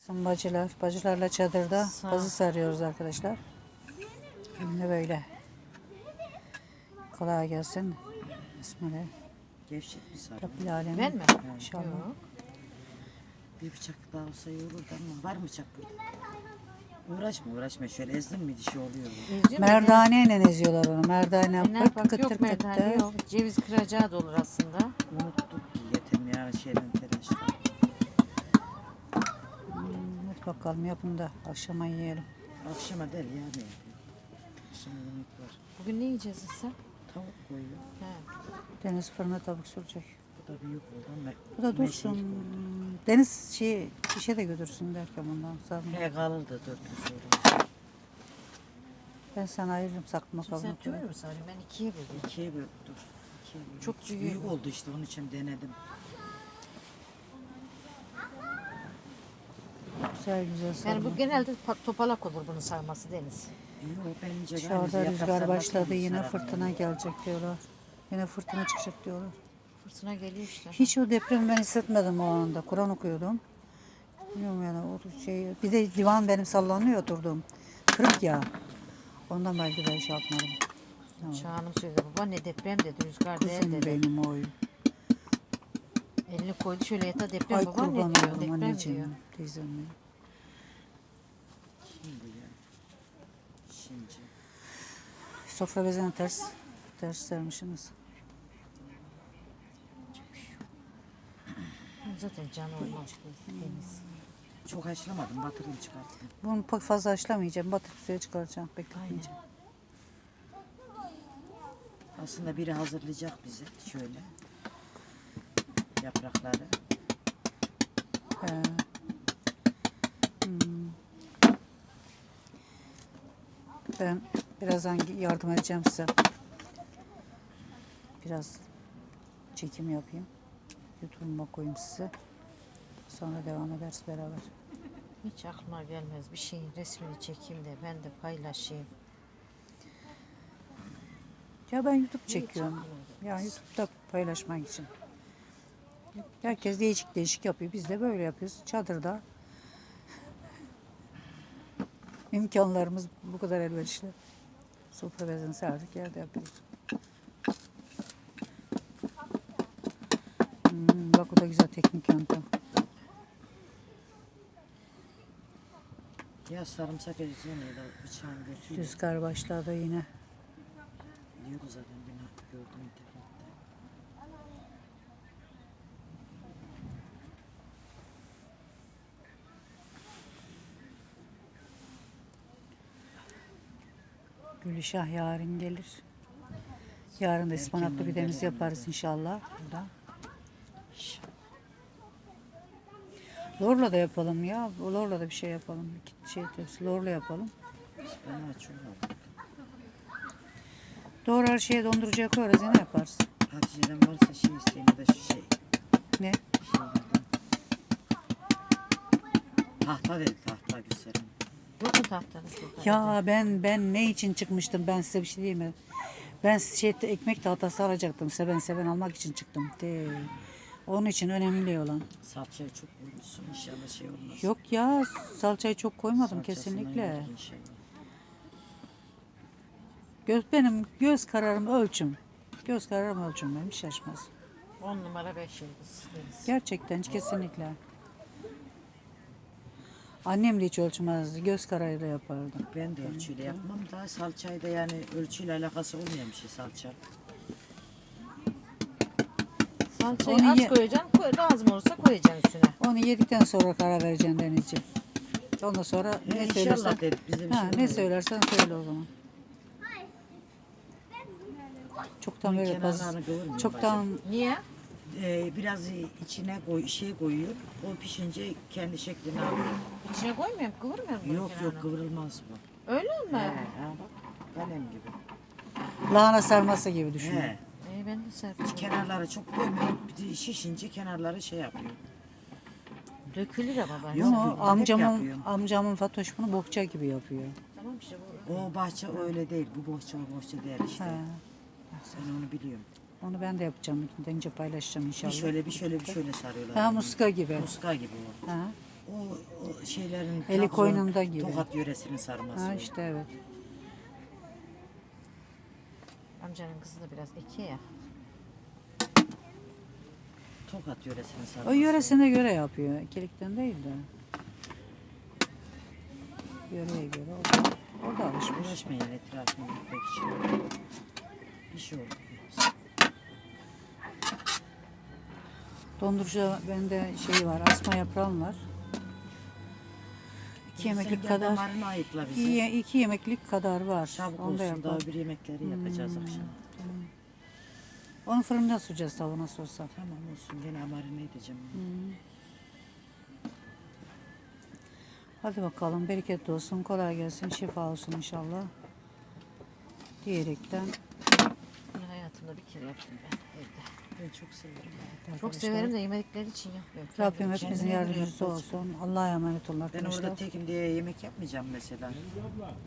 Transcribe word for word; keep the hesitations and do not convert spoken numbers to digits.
Bizim bacılar, bacılarla çadırda Sağ ol. pazı sarıyoruz arkadaşlar. Şimdi böyle. Kolay gelsin. Bismillah. Gevşek bir sarı. Rabbil alemin. Ben mi? İnşallah. Yok. Bir bıçak daha olsa iyi olurdu ama var mı bıçak burada? Uğraşma uğraşma şöyle ezdin mi dişi oluyor. İzliyor musun? Merdaneyle eziyorlar onu. Merdane Aynen, yapıp bak kıtır yok kıtır. merdane yok. Ceviz kıracağı da olur aslında. Unuttuk ki yetem ya şeyden telaşla. Hadi bakalım yapın da akşama yiyelim. Akşama değil ya ne yapıyor? Akşama yemek var. Bugün ne yiyeceğiz ise? Tavuk koyuyor. He. Deniz fırına tavuk sürecek. Bu da büyük oldu ama. Bu da dursun. Deniz şey işe de götürsün derken bundan sonra. He kalırdı dört gün sonra. Ben sana ayırırım sakma Şimdi sen kabını. tümünü mü sarayım? Ben ikiye böldüm. İkiye böl dur. İkiye böl. Çok büyük. büyük. oldu işte onun için denedim. Güzel güzel sarma. Yani bu genelde pa- topalak olur bunun sarması Deniz. Yok bence Dışarıda rüzgar başladı yine fırtına gelecek diyorlar. Yine fırtına çıkacak diyorlar. Fırtına geliyor işte. Hiç o depremi ben hissetmedim o anda. Kur'an okuyordum. Bilmiyorum yani o şey. Bir de divan benim sallanıyor oturdum. Kırık ya. Ondan belki ben şey yapmadım. Tamam. Şahanım söyledi baba ne deprem dedi rüzgar değil Kızım dedi. benim oy. Elini koydu şöyle yata deprem Ay baba kurban ne diyor oldum deprem anneciğim. diyor. Teyzem benim. Şimdi ya. Şimdi. Sofra bezini ters ters sermişsiniz. Zaten canı olmaz bu Deniz. Çok haşlamadım batırayım çıkarttım. Bunu pek fazla haşlamayacağım. Batırıp suya çıkaracağım. Bekletmeyeceğim. Aslında biri hazırlayacak bize şöyle. Yaprakları. He. Hmm. Ben birazdan yardım edeceğim size. Biraz çekim yapayım. YouTube'uma koyayım size. Sonra devam ederiz beraber. Hiç aklıma gelmez bir şeyin resmini çekeyim de ben de paylaşayım. Ya ben YouTube çekiyorum. Ya YouTube'da paylaşmak için. Herkes değişik değişik yapıyor. Biz de böyle yapıyoruz. Çadırda. İmkanlarımız bu kadar elverişli. Sofra bezini serdik yerde yapıyoruz. Hmm, bak o da güzel teknik yöntem. Ya sarımsak ezeceğim ya da bıçağın götüyle. Rüzgar başladı yine. Biliyordu zaten beni gördüm internette. Gülüşah yarın gelir. Yarın da ıspanaklı pidemizi yaparız inşallah. Burada. Lorla da yapalım ya. Lorla da bir şey yapalım. İki şey tepsi lorla yapalım. Ben açıyorum. Doğru her şeye dondurucuya koyarız yine yaparız. Hatice'den varsa şey isteyeyim ya da şu şey. Ne? Şey dedim. Tahta dedi tahta gösterin. Yok mu tahtanız burada? Ya ben ben ne için çıkmıştım ben size bir şey diyeyim mi? Ben şey ekmek tahtası alacaktım. Seven seven almak için çıktım. De. Onun için önemli olan. Salçayı çok koymuşsun inşallah şey olmaz. Yok ya salçayı çok koymadım Salçasından kesinlikle. yedik inşallah. Göz, benim göz kararım ölçüm. Göz kararım ölçüm benim hiç şaşmaz. On numara beş yıldız Deniz. Gerçekten kesinlikle. Annem de hiç ölçmezdi. Göz kararıyla yapardı. Ben de ölçüyle yapmam da salçayı da yani ölçüyle alakası olmayan bir şey salça. Salçayı Onu az ye- koyacaksın, koy, lazım olursa koyacaksın üstüne. Onu yedikten sonra karar vereceksin Denizciğim. Ondan sonra He, ne inşallah söylersen, dedik bize bir ha, şey ne olmuyor. söylersen söyle o zaman. Çoktan Bunun böyle fazla, kenarlarını kıvırmıyor çoktan Niye? Ee, biraz içine koy, şey koyuyor. O pişince kendi şeklini alıyor. İçine koymuyor mu? Kıvırmıyor mu? bunun Yok kenarını? yok kıvrılmaz bu. Öyle mi? He, ha, bak kalem gibi. lahana sarması gibi düşün. He. İyi ben de serpeceğim. Kenarları çok koymuyor. Bir de şişince kenarları şey yapıyor. Dökülür ama ben. Yok, Ama yok, hep amcamın yapıyorum. amcamın Fatoş bunu bohça gibi yapıyor. Tamam işte bu. O bahçe öyle değil. Bu bohça o bohça değil işte. He. Ben onu biliyorum. Onu ben de yapacağım. Gidince paylaşacağım Bir inşallah. şöyle bir şöyle bir şöyle sarıyorlar. Ha onu. muska gibi. Muska gibi o. Ha. O, o şeylerin Eli Trabzon, koynunda gibi. Tokat yöresinin sarması. Ha o. işte evet. Amcanın kızı da biraz eki ya. Tokat yöresinin sarması. O yöresine göre yapıyor. İkilikten değil de. Yöreye göre o da, o da alışmış. Uğraşmayın etrafını gitmek için. Bir şey oldu. Dondurucuda bende şey var, asma yaprağım var. İki yemeklik Sen kadar, damarını ayıkla bize. iki, ye- iki yemeklik kadar var. Çabuk Onu da olsun daha yapalım. bir yemekleri yapacağız akşam. Onu fırında süreceğiz tavuğu nasıl olsa. Tamam olsun gene marine edeceğim. Hadi bakalım, bereketli olsun, kolay gelsin, şifa olsun inşallah. Diyerekten. Bunu hayatımda bir kere yaptım ben evde. Ben çok severim. Çok arkadaşlar, severim de yemedikleri için yapmıyorum. Rabbim Kendim hepimizin kendine göre yardımcısı yaparsın. olsun. Allah'a emanet olun Ben arkadaşlar. orada tekim diye yemek yapmayacağım mesela.